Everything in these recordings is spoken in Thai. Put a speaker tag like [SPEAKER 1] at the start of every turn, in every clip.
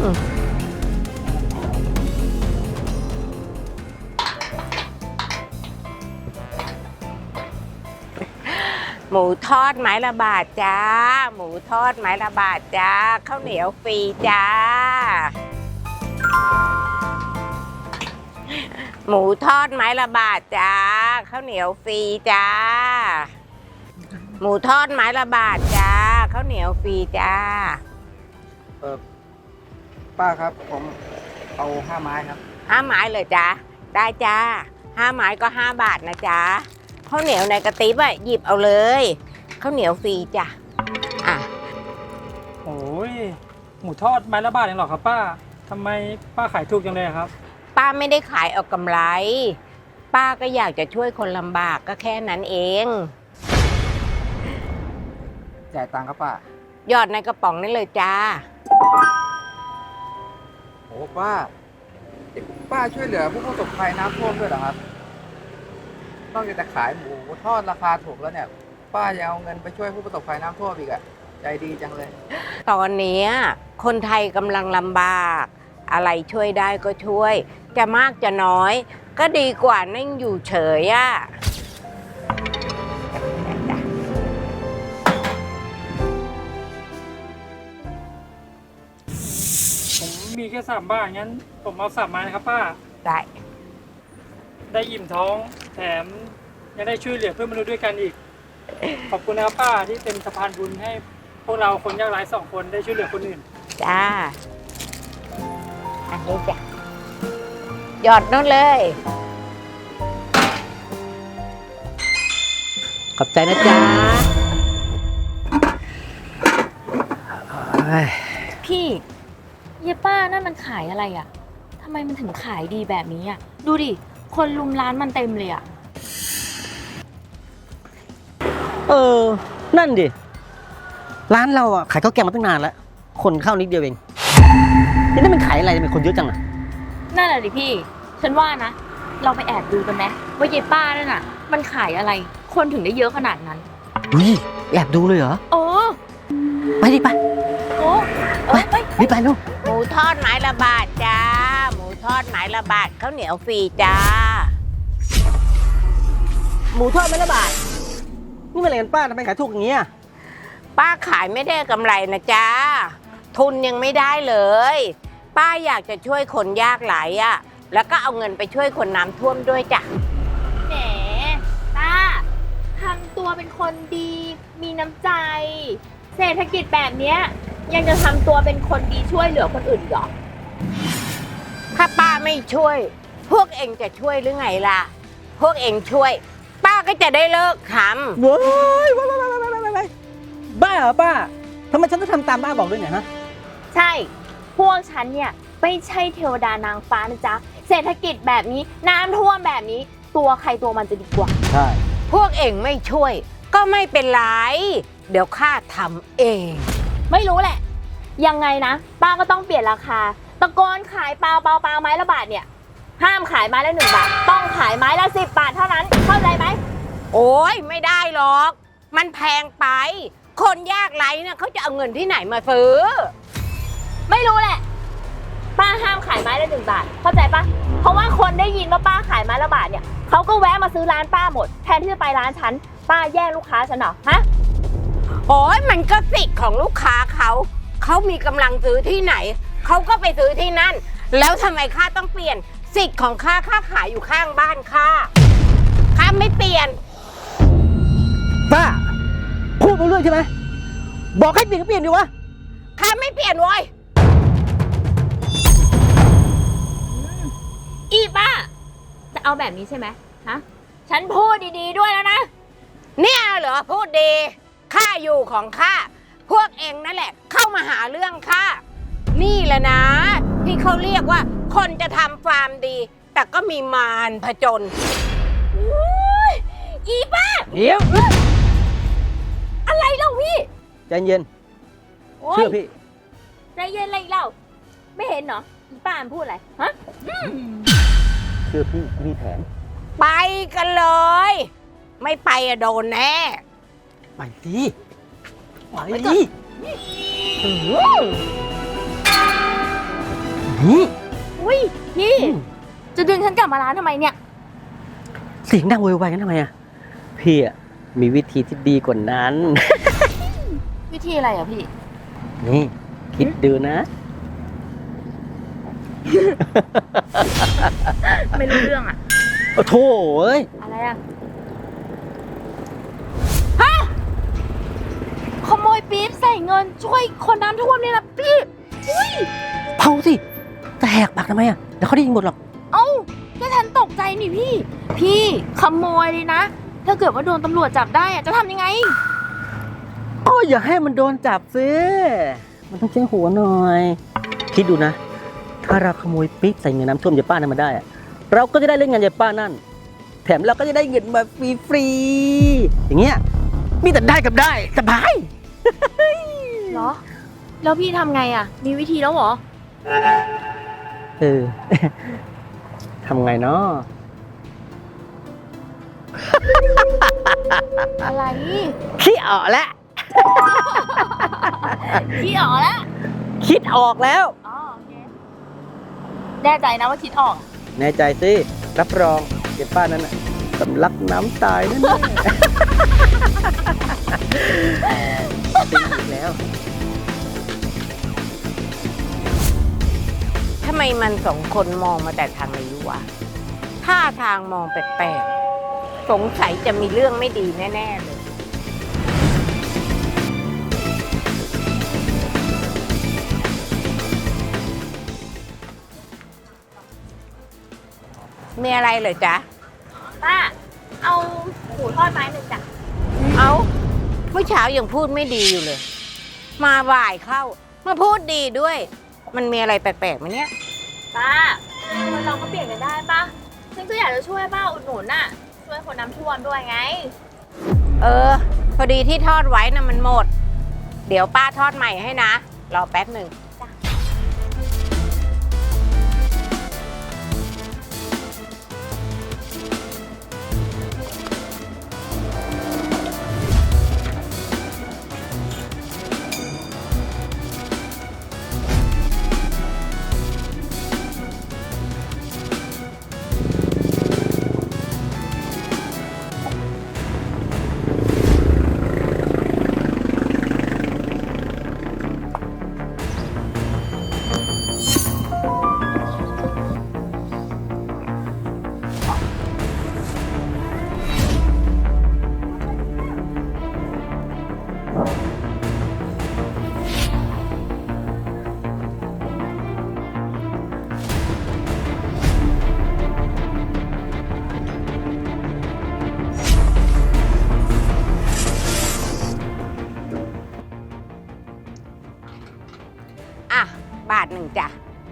[SPEAKER 1] หมูทอดไม้ละบาทจ้าหมูทอดไม้ละบาทจ้าข้าวเหนียวฟรีจ้าหมูทอดไม้ละบาทจ้าข้าวเหนียวฟรีจ้าหมูทอดไม้ละบาทจ้าข้าวเหนียวฟรีจ้า
[SPEAKER 2] ป้าครับผมเอา5 ไม้ครับ
[SPEAKER 1] 5 ไม้เลยจ้าได้จ้า5 ไม้ก็5 บาทนะจ้าข้าวเหนียวในกระติบอ่ะหยิบเอาเลยข้าวเหนียวฟรีจ้ะอ่ะ
[SPEAKER 3] โอ้ยหมูทอดไม้ละบาทเองเหรอครับป้าทำไมป้าขายถูกจังเลยครับ
[SPEAKER 1] ป้าไม่ได้ขายเอากำไรป้าก็อยากจะช่วยคนลำบากก็แค่นั้นเอง
[SPEAKER 2] จ่ายตังค์ครับป้า
[SPEAKER 1] หยอดในกระป๋องนี่เลยจ้า
[SPEAKER 2] โอ้ป้าช่วยเหลือผู้ประสบภัยน้ำท่วมด้วยเหรอครับนอกจากจะขายหมูทอดราคาถูกแล้วเนี่ยป้ายังเอาเงินไปช่วยผู้ประสบภัยน้ำท่วมอีกอะใจดีจังเลย
[SPEAKER 1] ตอนนี้คนไทยกำลังลำบากอะไรช่วยได้ก็ช่วยจะมากจะน้อยก็ดีกว่านั่งอยู่เฉยอ่ะ
[SPEAKER 3] ผมมีแค่3 บาทงั้นผมเอา3 ไม้นะครับป้าได้อิ่มท้องแถมยังได้ช่วยเหลือเพื่อนมนุษย์ด้วยกันอีกขอบคุณนะครับป้าที่เป็นสะพานบุญให้พวกเราคนยากไร้2 คนได้ช่วยเหลือคนอื่น
[SPEAKER 1] จ้าอันนี้จ้ะหยอดนู่นเลยขอบใจนะจ๊ะ
[SPEAKER 4] พี่เยป้านั่นมันขายอะไรอ่ะทำไมมันถึงขายดีแบบนี้อ่ะดูดิคนลุมร้านมันเต็มเลยอ่ะ
[SPEAKER 5] นั่นดิร้านเราอ่ะขายข้าวแกงมาตั้งนานแล้วคนเข้านิดเดียวเองนี่มันขายอะไรทำไมคนเยอะจังอ่ะ
[SPEAKER 4] นั่นแหละดิพี่ฉันว่านะเราไปแอบดูกันไหมว่าเยป้านั่นน่ะมันขายอะไรคนถึงได้เยอะขนาดนั้น
[SPEAKER 5] แอบดูเลยเหรอไปดิไปไปรีบไปลูก
[SPEAKER 1] หมูทอดไม้ละบาทจ้าหมูทอดไม้ละบาทข้าวเหนียวฟรีจ้า
[SPEAKER 5] หมูทอดไม้ละบาทนี่มันอะไรกันป้าทำไมขายถูกอย่างเงี้ย
[SPEAKER 1] ป้าขายไม่ได้กำไรนะจ้าทุนยังไม่ได้เลยป้าอยากจะช่วยคนยากไร้อ่ะแล้วก็เอาเงินไปช่วยคนน้ำท่วมด้วยจ้ะ
[SPEAKER 4] แหมป้าทำตัวเป็นคนดีมีน้ำใจเศรษฐกิจแบบเนี้ยยังจะทำตัวเป็นคนดีช่วยเหลือคนอื่นหรอ
[SPEAKER 1] ถ้าป้าไม่ช่วยพวกเองจะช่วยหรือไงล่ะพวกเองช่วยป้าก็จะได้เลิกทำ
[SPEAKER 5] ว้ายบ้าเหรอป้าทำไมฉันต้องทำตามป้าบอกด้วยเนี่ยฮะ
[SPEAKER 4] ใช่พวกฉันเนี่ยไม่ใช่เทวดานางฟ้านะจ๊ะเศรษฐกิจแบบนี้น้ำท่วมแบบนี้ตัวใครตัวมันจะดีกว่า
[SPEAKER 5] ใช่
[SPEAKER 1] พวกเองไม่ช่วยก็ไม่เป็นไรเดี๋ยวข้าทำเอง
[SPEAKER 4] ไม่รู้แหละยังไงนะป้าก็ต้องเปลี่ยนราคาตะโกนขายเปล่าไม้ละบาทเนี่ยห้ามขายไม้ละ1 บาทต้องขายไม้ละ10 บาทเท่านั้นเข้าใจไหม
[SPEAKER 1] โอ้ยไม่ได้หรอกมันแพงไปคนยากไร้เนี่ยเขาจะเอาเงินที่ไหนมาซื้อ
[SPEAKER 4] ไม่รู้แหละป้าห้ามขายไม้ละ1 บาทเข้าใจปะเพราะว่าคนได้ยินว่าป้าขายไม้ละบาทเนี่ยเขาก็แวะมาซื้อร้านป้าหมดแทนที่จะไปร้านฉันป้าแย่งลูกค้าฉันเหรอฮะ
[SPEAKER 1] โอ้ยมันก็สิทธิ์ของลูกค้าเขามีกำลังซื้อที่ไหนเขาก็ไปซื้อที่นั่นแล้วทำไมข้าต้องเปลี่ยนสิทธิ์ของข้าขายอยู่ข้างบ้านข้าไม่เปลี่ยน
[SPEAKER 5] ป้าพูดไปเรื่อยใช่ไหมบอกให้เปลี่ยนก็เปลี่ยนดิวะ
[SPEAKER 1] ข้าไม่เปลี่ยนเว้ย
[SPEAKER 4] อีป้าจะเอาแบบนี้ใช่ไหมฮะฉันพูดดีๆด้วยแล้วนะ
[SPEAKER 1] เนี่ยเหรอพูดดีข้าอยู่ของข้าพวกเองนั่นแหละเข้ามาหาเรื่องข้านี่แหละนะที่เขาเรียกว่าคนจะทำฟาร์มดีแต่ก็มีมารผจญ
[SPEAKER 4] อีป้า
[SPEAKER 5] เดี๋ยว
[SPEAKER 4] อะไรเล่าพี่
[SPEAKER 5] ใจเย็นเชื่อพี่
[SPEAKER 4] ใจเย็นอะไรเล่าไม่เห็นเหรออีป้าพูดอะไรฮะ
[SPEAKER 5] เชื่อพี่มีแผน
[SPEAKER 1] ไปกันเลยไม่ไปอะโดนแน่
[SPEAKER 5] ไปสิไปดินี่
[SPEAKER 4] อุ้ยพี่ จะดึงฉันกลับมาร้านทำไมเนี่ย
[SPEAKER 5] เสียงดังโวยวายกันทำไมอะพี่อะมีวิธีที่ดีกว่านั้น
[SPEAKER 4] วิธีอะไรอ่ะพี่
[SPEAKER 5] นี่ คิดดูนะ
[SPEAKER 4] ไม่รู้เรื่องอ่ะ
[SPEAKER 5] โอ้โถเอ้ย
[SPEAKER 4] อะไรอ่ะ ฮะ ขโมยปี๊บใส่เงินช่วยคนน้ำท่วมเนี่ยนะพี่ อุ้ย
[SPEAKER 5] เผาสิจะแหกปากทำไมอะเดี๋ยวเขาได้ยินหมดหรอก
[SPEAKER 4] เอ้าก็ฉันตกใจนี่พี่ พี่ขโมยเลยนะ ถ้าเกิดว่าโดนตำรวจจับได้อะจะทำยังไง
[SPEAKER 5] ก็อย่าให้มันโดนจับซิมันต้องใช้หัวหน่อย คิดดูนะ ถ้าเราขโมยปิ๊บใส่เงินน้ำท่วมยายป้านั้นมาได้อะเราก็จะได้เล่นงานยายป้านั่น แถมเราก็จะได้เงินมาฟรีๆอย่างเงี้ย มีแต่ได้กับได้สบาย
[SPEAKER 4] เหรอ แล้วพี่ทำไงอ่ะ มีวิธีแล้วเหรอ
[SPEAKER 5] เออ ทำไงเนาะ
[SPEAKER 4] อะไร
[SPEAKER 5] คิดออกแล้ว
[SPEAKER 4] พี่ออกแล้ว
[SPEAKER 5] คิดออกแล้ว
[SPEAKER 4] อ๋อโอเคแน่ใจนะว่าคิดออก
[SPEAKER 5] แน่ใจสิรับรองยายป้านั้นน่ะสำลักน้ำตายแน่ๆตีอีกแล้ว
[SPEAKER 1] ทำไมมันสองคนมองมาแต่ทางนี้วะท่าทางมองแปลกๆ สงสัยจะมีเรื่องไม่ดีแน่ๆเลย มีอะไรเหรอจ๊ะ
[SPEAKER 4] ป้า เอาหมูทอดไม้หนึ่งจ้ะ
[SPEAKER 1] เอาเมื่อเช้ายังพูดไม่ดีอยู่เลย มาบ่ายเข้า มาพูดดีด้วย มันมีอะไรแปลกๆไหมเนี่ย
[SPEAKER 4] ป้าคนเราก็เปลี่ยนกันได้ป้าฉันก็อยากจะช่วยป้าอุดหนุนน่ะ ช่วยคนน้ำท่วมด้วยไง
[SPEAKER 1] เออ พอดีที่ทอดไว้นะมันหมด เดี๋ยวป้าทอดใหม่ให้นะ รอแป๊บหนึ่ง อ่ะ บาทหนึ่งจ้ะ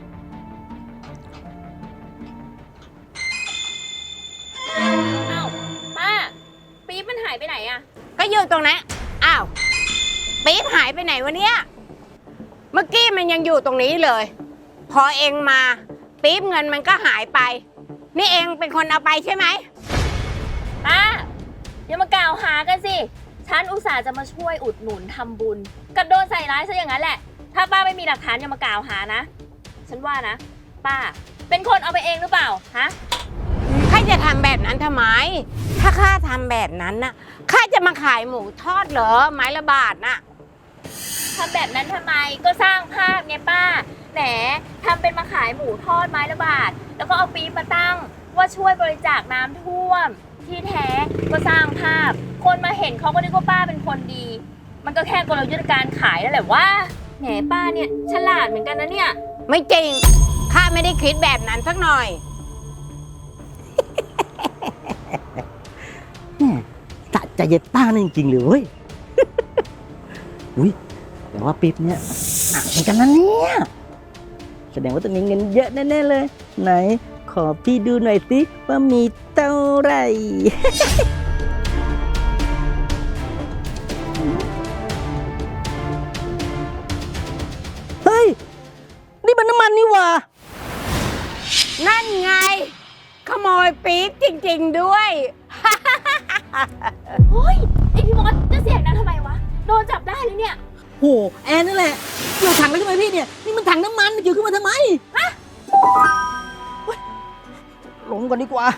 [SPEAKER 4] อ้าวป้า ปี๊บมันหายไปไหนอะ
[SPEAKER 1] ก็อยู่ตรงนั้น อ้าว ปี๊บหายไปไหนวะเนี่ย เมื่อกี้มันยังอยู่ตรงนี้เลย พอเองมา ปี๊บเงินมันก็หายไป นี่เองเป็นคนเอาไปใช่ไหม
[SPEAKER 4] ป้าอย่ามากล่าวหากันสิ ฉันอุตส่าห์จะมาช่วยอุดหนุนทำบุญกับโดนใส่ร้ายซะอย่างนั้นแหละ ถ้าป้าไม่มีหลักฐานอย่ามากล่าวหานะ ฉันว่านะ ป้า เป็นคนเอาไปเองหรือเปล่า ฮะ
[SPEAKER 1] ข้าจะทำแบบนั้นทำไม ถ้าข้าทำแบบนั้นน่ะ ข้าจะมาขายหมูทอดเหรอ ไม้ละบาทน่ะ
[SPEAKER 4] ทำแบบนั้นทำไม ก็สร้างภาพไงป้า แหมทำเป็นมาขายหมูทอดไม้ละบาท แล้วก็เอาปี๊บมาตั้ง ว่าช่วยบริจาคน้ำท่วม ที่แท้ก็สร้างภาพ คนมาเห็นเขาก็นึกว่าป้าเป็นคนดี มันก็แค่กลยุทธ์การขายนั่นแหละว่าแหมป้าเนี่ยฉลาดเหมือนกันนะเนี่ย
[SPEAKER 1] ไม่จริง ข้าไม่ได้คิดแบบนั้นสักหน่อย
[SPEAKER 5] แม่สะใจยายป้านั่นจริงๆเลยเว้ย อุ้ยแต่ว่าปิ๊บเนี่ยหนักเหมือนกันนะเนี่ย แสดงว่าต้องมีเงินเยอะแน่ๆเลย ไหน ขอพี่ดูหน่อยสิว่ามีเท่าไหร่ เฮ้ย นี่มันน้ำมันนี่หว่า
[SPEAKER 1] นั่นไง ขโมยปี๊บจริงๆด้วย
[SPEAKER 4] เฮ้ยไอพี่มดจะเสียงนั้นทำไมวะ โดนจับได้เลยเนี่ย
[SPEAKER 5] โห แอนนั่นแหละเกี่ยวถังแล้วใช่ไหมพี่เนี่ย นี่มันถังน้ำมันเกี่ยวขึ้นมาทำไม
[SPEAKER 4] ฮะ
[SPEAKER 5] ลงก่อนดีกว่า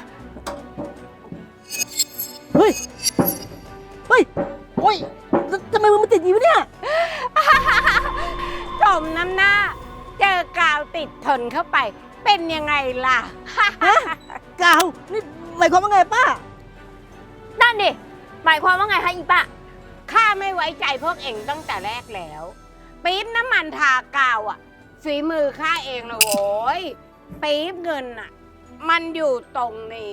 [SPEAKER 5] เฮ้ย เฮ้ย โอ้ยทำไมมันติดอยู่เนี่ย
[SPEAKER 1] สมน้ำหน้า เจอกาวติดทนเข้าไป เป็นยังไงล่ะ
[SPEAKER 5] กาว นี่หมายความว่าไงป้า
[SPEAKER 4] นั่นดิ หมายความว่าไงคะอีป้า
[SPEAKER 1] ข้าไม่ไว้ใจพวกเองตั้งแต่แรกแล้ว ปี๊บน้ำมันทากาวอ่ะฝีมือข้าเองนะโว้ยปี๊บเงินอ่ะ มันอยู่ตรงนี้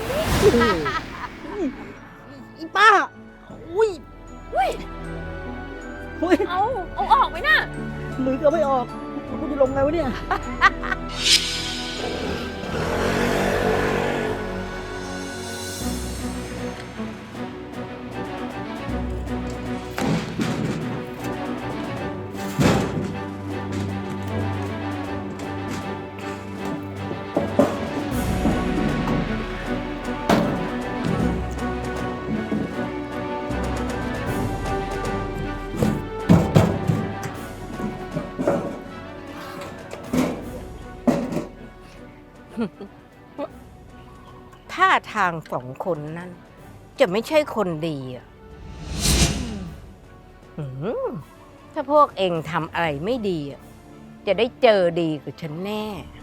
[SPEAKER 5] อีป้า อุ้ยอุ้ย
[SPEAKER 4] เอาออกไหมน่ะ
[SPEAKER 5] มือก็ไม่ออกกูจะลงไงวะเนี่ย
[SPEAKER 1] ท่าทางสองคนนั้น จะไม่ใช่คนดีอ่ะถ้าพวกเองทำอะไรไม่ดีอ่ะจะได้เจอดีกับฉันแน่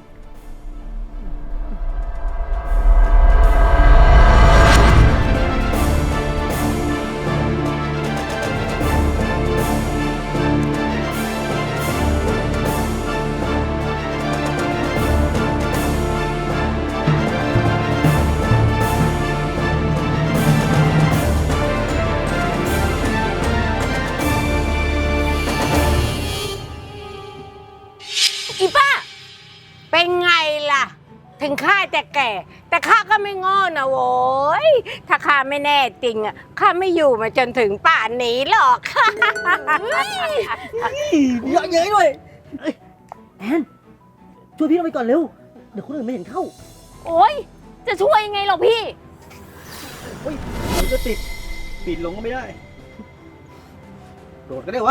[SPEAKER 4] อีป้า
[SPEAKER 1] เป็นไงล่ะ ถึงข้าจะแก่ แต่ข้าก็ไม่ง้อนะโว้ยถ้าข้าไม่แน่จริงอ่ะข้าไม่อยู่มาจนถึงป่านนี้หรอก
[SPEAKER 5] เยอะเย้ยด้วยเอ้ยแอนช่วยพี่ลงไปก่อนเร็ว เดี๋ยวคนอื่นไม่เห็นเข้า
[SPEAKER 4] โอ๊ย จะช่วยยังไงหรอพี่
[SPEAKER 5] เฮ้ยมันจะติดปีนลงก็ไม่ได้ โดดก็ได้วะ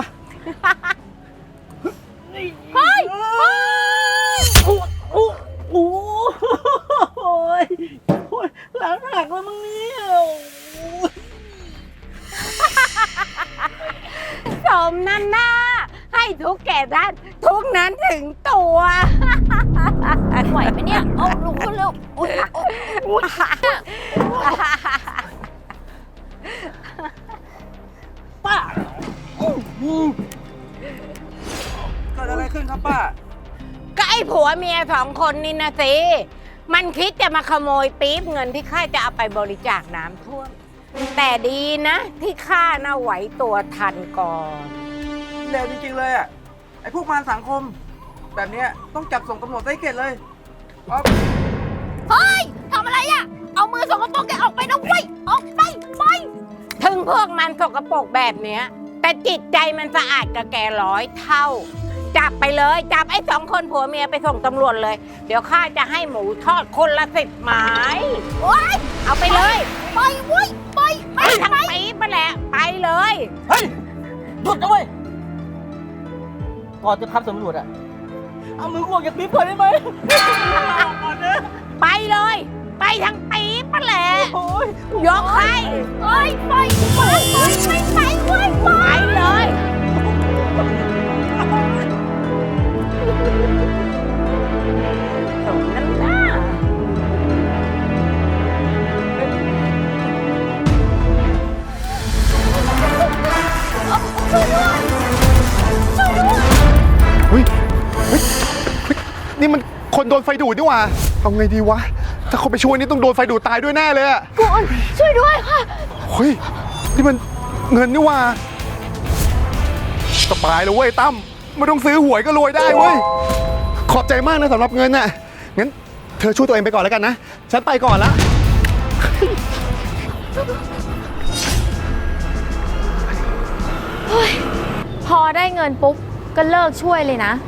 [SPEAKER 4] เฮ้ย
[SPEAKER 5] โอ้โอ้โอ้โอ้ยโอ้ยหลังหักแล้วมึงเนี่ยโอ้ย
[SPEAKER 1] สมนั่นหน้า ให้ทุกแก่ด้านทุกนั้นถึงตัว
[SPEAKER 4] ไหวไหมเนี่ย เอาลุกขึ้นเร็วอุ๊ย
[SPEAKER 5] ป้าอื้อ
[SPEAKER 2] เกิดอะไรขึ้นครับป้า
[SPEAKER 1] ก็ไอ้ผัวเมียสองคนนี่นะสิ มันคิดจะมาขโมยปี๊บเงินที่ข้าจะเอาไปบริจาคน้ำท่วม แต่ดีนะ ที่ข้าน่ะไหวตัวทันก่อน
[SPEAKER 2] เลวจริงๆเลยอ่ะ ไอ้พวกมารสังคม แบบเนี้ยต้องจับส่งตำรวจได้เข็ดเลยอ๊อฟ
[SPEAKER 4] เฮ้ย ทำอะไรอ่ะ เอามือสกปรกแกออกไปนะเว้ย ออกไป ไป
[SPEAKER 1] ถึงพวกมันสกปรกแบบเนี้ย แต่จิตใจมันสะอาดกับแก100 เท่า จับไปเลย จับไอ้สองคนผัวเมียไปส่งตำรวจเลย เดี๋ยวข้าจะให้หมูทอดคนละ10 ไม้
[SPEAKER 4] โอ๊ย
[SPEAKER 1] เอาไปเลย
[SPEAKER 4] ไปเว้ย ไป
[SPEAKER 1] ไปทั้งปี๊บมาแหละ ไปเลย
[SPEAKER 5] เฮ้ยหยุดนะเว้ย ก่อนจะทำสำรวจอะเอามือออกจากปี๊บก่อนได้ไหมก่อนนะ
[SPEAKER 1] ไปเลย ไปทั้งปี๊บมาแหละ
[SPEAKER 5] โอ้ย
[SPEAKER 1] ยกให้
[SPEAKER 4] เฮ้ย ไปไปไปเว้ย ไป
[SPEAKER 1] ไปเลยสมน้ำหน้า
[SPEAKER 6] เฮ้ยนี่มันคนโดนไฟดูดนี่หว่าเอาไงดีวะ ถ้าเขาไปช่วยนี่ต้องโดนไฟดูดตายด้วยแน่เลยอะ
[SPEAKER 4] คุณช่วยด้วยค่ะ
[SPEAKER 6] เฮ้ย นี่มันเงินนี่หว่าสบายเลยเว้ยตั้มไม่ต้องซื้อหวยก็รวยได้เว้ย ขอบใจมากนะสำหรับเงินน่ะ งั้นเธอช่วยตัวเองไปก่อนแล้วกันนะ ฉันไปก่อนละ
[SPEAKER 4] พอได้เงินปุ๊บ ก็เลิกช่วยเลยนะ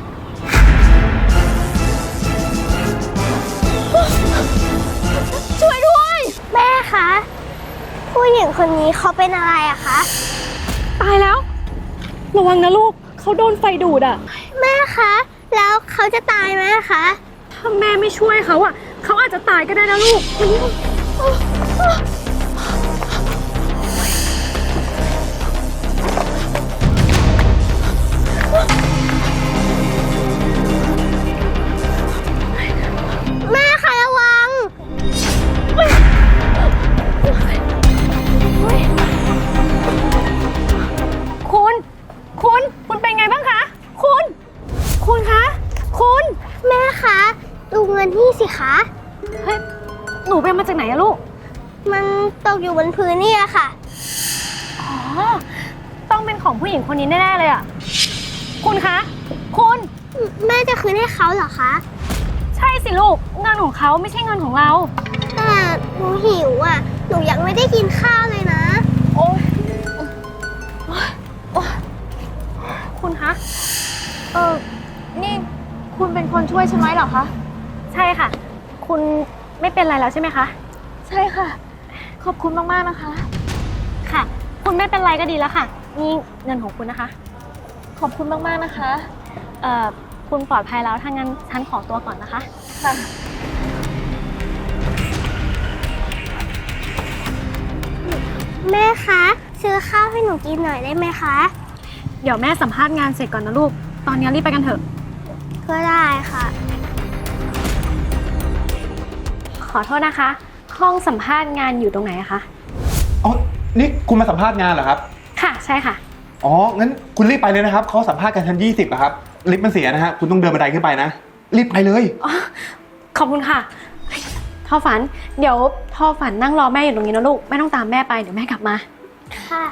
[SPEAKER 4] ช่วยด้วย
[SPEAKER 7] แม่คะ ผู้หญิงคนนี้เขาเป็นอะไรอะคะ
[SPEAKER 8] ตายแล้ว ระวังนะลูก เขาโดนไฟดูดอ่ะ
[SPEAKER 7] แม่คะ แล้วเขาจะตายไหมคะ
[SPEAKER 8] ถถ้าแม่ไม่ช่วยเขาอ่ะเขาอาจจะตายก็ได้นะลูก
[SPEAKER 7] แม่คะระวัง
[SPEAKER 8] คุณเป็นไงบ้างคะ คุณคะ
[SPEAKER 7] แม่คะดูเงินนี่สิคะ
[SPEAKER 8] เฮ้ย หนูไปเอามาจากไหนอะลูก
[SPEAKER 7] มันตกอยู่บนพื้นเนี่ยค่ะ
[SPEAKER 8] อ๋อ ต้องเป็นของผู้หญิงคนนี้แน่ๆเลยอะคุณคะ
[SPEAKER 7] แม่จะคืนให้เขาเหรอคะ
[SPEAKER 8] ใช่สิลูก เงินของเขาไม่ใช่เงินของเรา
[SPEAKER 7] แต่หนูหิวอ่ะ หนูยังไม่ได้กินข้าวเลยนะ
[SPEAKER 8] โอ้คุณคะ
[SPEAKER 4] นี่คุณเป็นคนช่วยฉันไหมเหรอคะ
[SPEAKER 8] ใช่ค่ะ คุณไม่เป็นไรแล้วใช่ไหมคะ
[SPEAKER 4] ใช่ค่ะ ขอบคุณมากๆนะคะ
[SPEAKER 8] ค่ะ คุณไม่เป็นไรก็ดีแล้วค่ะ นี่เงินของคุณนะคะ
[SPEAKER 4] ขอบคุณมากๆนะคะ
[SPEAKER 8] คุณปลอดภัยแล้วถ้างั้นฉันขอตัวก่อนนะคะ
[SPEAKER 4] ค่ะ
[SPEAKER 7] แม่คะ ซื้อข้าวให้หนูกินหน่อยได้ไหมคะ
[SPEAKER 8] เดี๋ยวแม่สัมภาษณ์งานเสร็จก่อนนะลูก ตอนนี้รีบไปกันเถอะ
[SPEAKER 7] ก็ได้ค่ะ
[SPEAKER 8] ขอโทษนะคะ ห้องสัมภาษณ์งานอยู่ตรงไหนอะคะ
[SPEAKER 6] อ๋อ นี่คุณมาสัมภาษณ์งานเหรอครับ
[SPEAKER 8] ค่ะ ใช่ค่ะ
[SPEAKER 6] อ๋อ งั้นคุณรีบไปเลยนะครับ เขาสัมภาษณ์กันชั้น20อะครับ ลิฟต์มันเสียนะฮะ คุณต้องเดินบันไดขึ้นไปนะ รีบไปเลย
[SPEAKER 8] ขอบคุณค่ะเฮ้ยทอฝัน เดี๋ยวทอฝันนั่งรอแม่อยู่ตรงนี้นะลูก ไม่ต้องตามแม่ไป เดี๋ยวแม่กลับมา
[SPEAKER 7] ค่ะ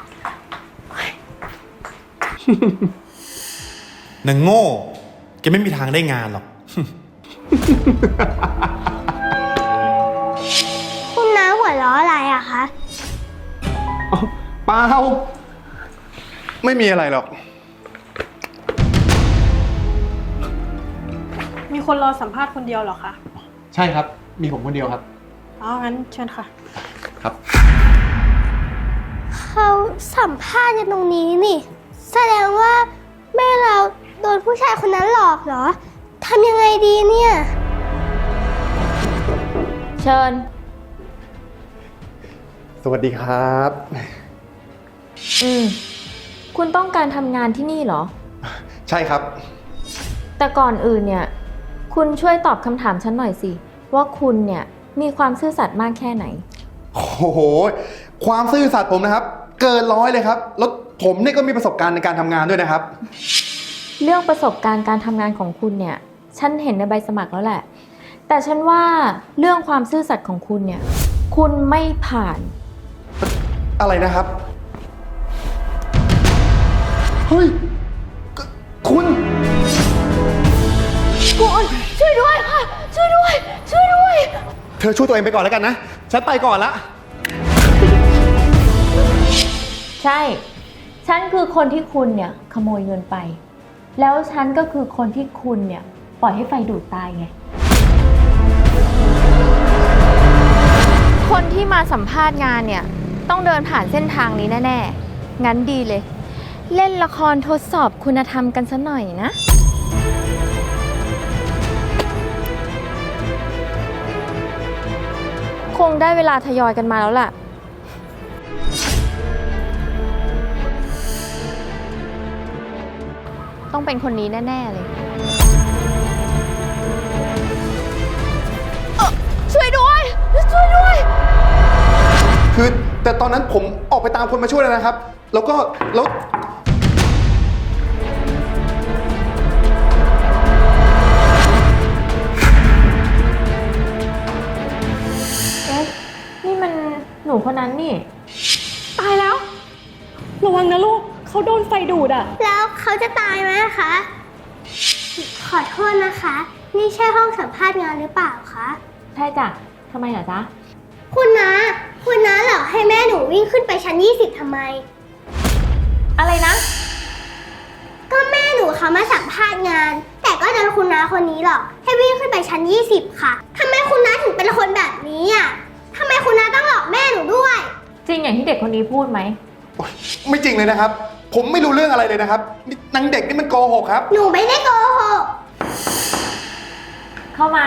[SPEAKER 9] นางโง่แกไม่มีทางได้งานหรอก
[SPEAKER 7] คุณน้าหัวเราะอะไรอะคะ
[SPEAKER 6] เปล่า ไม่มีอะไรหรอก
[SPEAKER 8] มีคนรอสัมภาษณ์คนเดียวเหรอคะ
[SPEAKER 6] ใช่ครับ มีผมคนเดียวครับ
[SPEAKER 8] อ๋อ งั้นเชิญค่ะ
[SPEAKER 6] ครับ
[SPEAKER 7] เขาสัมภาษณ์กันตรงนี้นี่ แสดงว่าแม่เราโดนผู้ชายคนนั้นหลอกเหรอ ทำยังไงดีเนี่ย
[SPEAKER 4] เชิญ
[SPEAKER 6] สวัสดีครับ
[SPEAKER 4] คุณต้องการทำงานที่นี่เหรอ
[SPEAKER 6] ใช่ครับ
[SPEAKER 4] แต่ก่อนอื่นเนี่ย คุณช่วยตอบคำถามฉันหน่อยสิ ว่าคุณเนี่ยมีความซื่อสัตย์มากแค่ไหน
[SPEAKER 6] โอ้โห ความซื่อสัตย์ผมนะครับ เกิน100เลยครับ แล้วผมนี่ก็มีประสบการณ์ในการทำงานด้วยนะครับ
[SPEAKER 4] เรื่องประสบการณ์การทำงานของคุณเนี่ย ฉันเห็นในใบสมัครแล้วแหละ แต่ฉันว่าเรื่องความซื่อสัตย์ของคุณเนี่ย คุณไม่ผ่าน
[SPEAKER 6] อะไรนะครับ เฮ้ย คุณ
[SPEAKER 4] ช่วยด้วยค่ะ ช่วยด้วย ช่วยด้วย
[SPEAKER 6] เธอช่วยตัวเองไปก่อนแล้วกันนะ ฉันไปก่อนละ
[SPEAKER 4] ใช่ ฉันคือคนที่คุณเนี่ยขโมยเงินไป แล้วฉันก็คือคนที่คุณเนี่ยปล่อยให้ไฟดูดตายไง คนที่มาสัมภาษณ์งานเนี่ยต้องเดินผ่านเส้นทางนี้แน่ๆ งั้นดีเลย เล่นละครทดสอบคุณธรรมกันซะหน่อยนะ คงได้เวลาทยอยกันมาแล้วล่ะ ต้องเป็นคนนี้แน่ ๆ เลย ช่วยด้วย ช่วยด้วย
[SPEAKER 6] คือแต่ตอนนั้นผมออกไปตามคนมาช่วยแล้วนะครับ แล้ว
[SPEAKER 4] เอ๊ะ นี่มันหนูคนนั้นนี่
[SPEAKER 8] ตายแล้ว ระวังนะลูก เขาโดนไฟดูดอะ
[SPEAKER 7] แล้วเขาจะตายไหมคะ ขอโทษนะคะ นี่ใช่ห้องสัมภาษณ์งานหรือเปล่าคะ
[SPEAKER 4] ใช่จ้ะ ทำไมเหรอจ๊ะ
[SPEAKER 7] คุณน้าหลอกให้แม่หนูวิ่งขึ้นไปชั้น20ทำไม
[SPEAKER 4] อะไรนะ
[SPEAKER 7] ก็แม่หนูเขามาสัมภาษณ์งาน แต่ก็โดนคุณน้าคนนี้หลอกให้วิ่งขึ้นไปชั้น20ค่ะทำไมคุณน้าถึงเป็นคนแบบนี้อ่ะทำไมคุณน้าต้องหลอกแม่หนูด้วย
[SPEAKER 4] จริงอย่างที่เด็กคนนี้พูดไหม
[SPEAKER 6] ไม่จริงเลยนะครับ ผมไม่รู้เรื่องอะไรเลยนะครับนี่นางเด็กนี่มันโกหกครับ
[SPEAKER 7] หนูไม่ได้โกหก
[SPEAKER 4] เข้ามา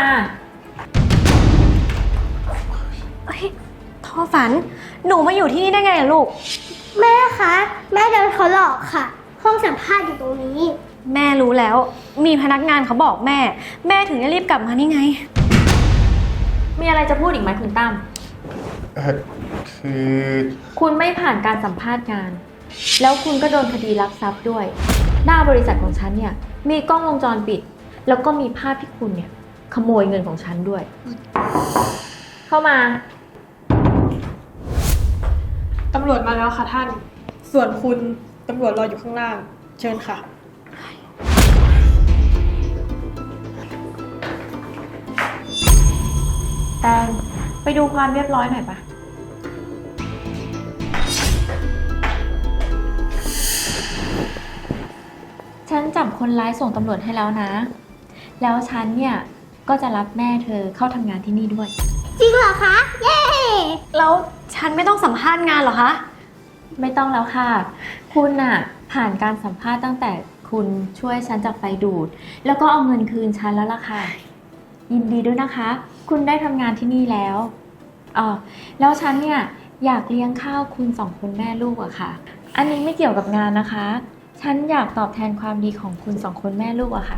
[SPEAKER 8] เฮ้ยท่อฝัน หนูมาอยู่ที่นี่ได้ไงอะลูก
[SPEAKER 7] แม่คะ แม่โดนเขาหลอกค่ะ ห้องสัมภาษณ์อยู่ตรงนี้
[SPEAKER 8] แม่รู้แล้ว มีพนักงานเขาบอกแม่ แม่ถึงได้รีบกลับมานี่ไง
[SPEAKER 4] มีอะไรจะพูดอีกไหมคุณตั้ม
[SPEAKER 6] คือ
[SPEAKER 4] คุณไม่ผ่านการสัมภาษณ์งาน แล้วคุณก็โดนคดีลักทรัพย์ด้วย หน้าบริษัทของฉันเนี่ยมีกล้องวงจรปิด แล้วก็มีภาพที่คุณเนี่ยขโมยเงินของฉันด้วย เข้ามา
[SPEAKER 10] ตำรวจมาแล้วค่ะท่าน ส่วนคุณตำรวจรออยู่ข้างล่าง เชิญค่ะ
[SPEAKER 4] แตงไปดูความเรียบร้อยหน่อยปะฉันจับคนร้ายส่งตำรวจให้แล้วนะ แล้วฉันเนี่ยก็จะรับแม่เธอเข้าทำงานที่นี่ด้วย
[SPEAKER 7] จริงเหรอคะ เย้
[SPEAKER 8] แล้วฉันไม่ต้องสัมภาษณ์งานเหรอคะ
[SPEAKER 4] ไม่ต้องแล้วค่ะ คุณน่ะผ่านการสัมภาษณ์ตั้งแต่คุณช่วยฉันจากไฟดูด แล้วก็เอาเงินคืนฉันแล้วล่ะค่ะ ยินดีด้วยนะคะ คุณได้ทำงานที่นี่แล้วแล้วฉันเนี่ยอยากเลี้ยงข้าวคุณสองคนแม่ลูกอะค่ะ อันนี้ไม่เกี่ยวกับงานนะคะ ฉันอยากตอบแทนความดีของคุณสองคนแม่ลูกอะค่ะ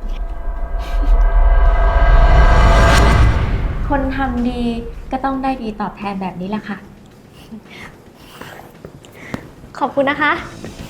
[SPEAKER 4] คนทำดีก็ต้องได้ดีตอบแทนแบบนี้แหละค่ะ
[SPEAKER 8] ขอบคุณนะคะ
[SPEAKER 4] ค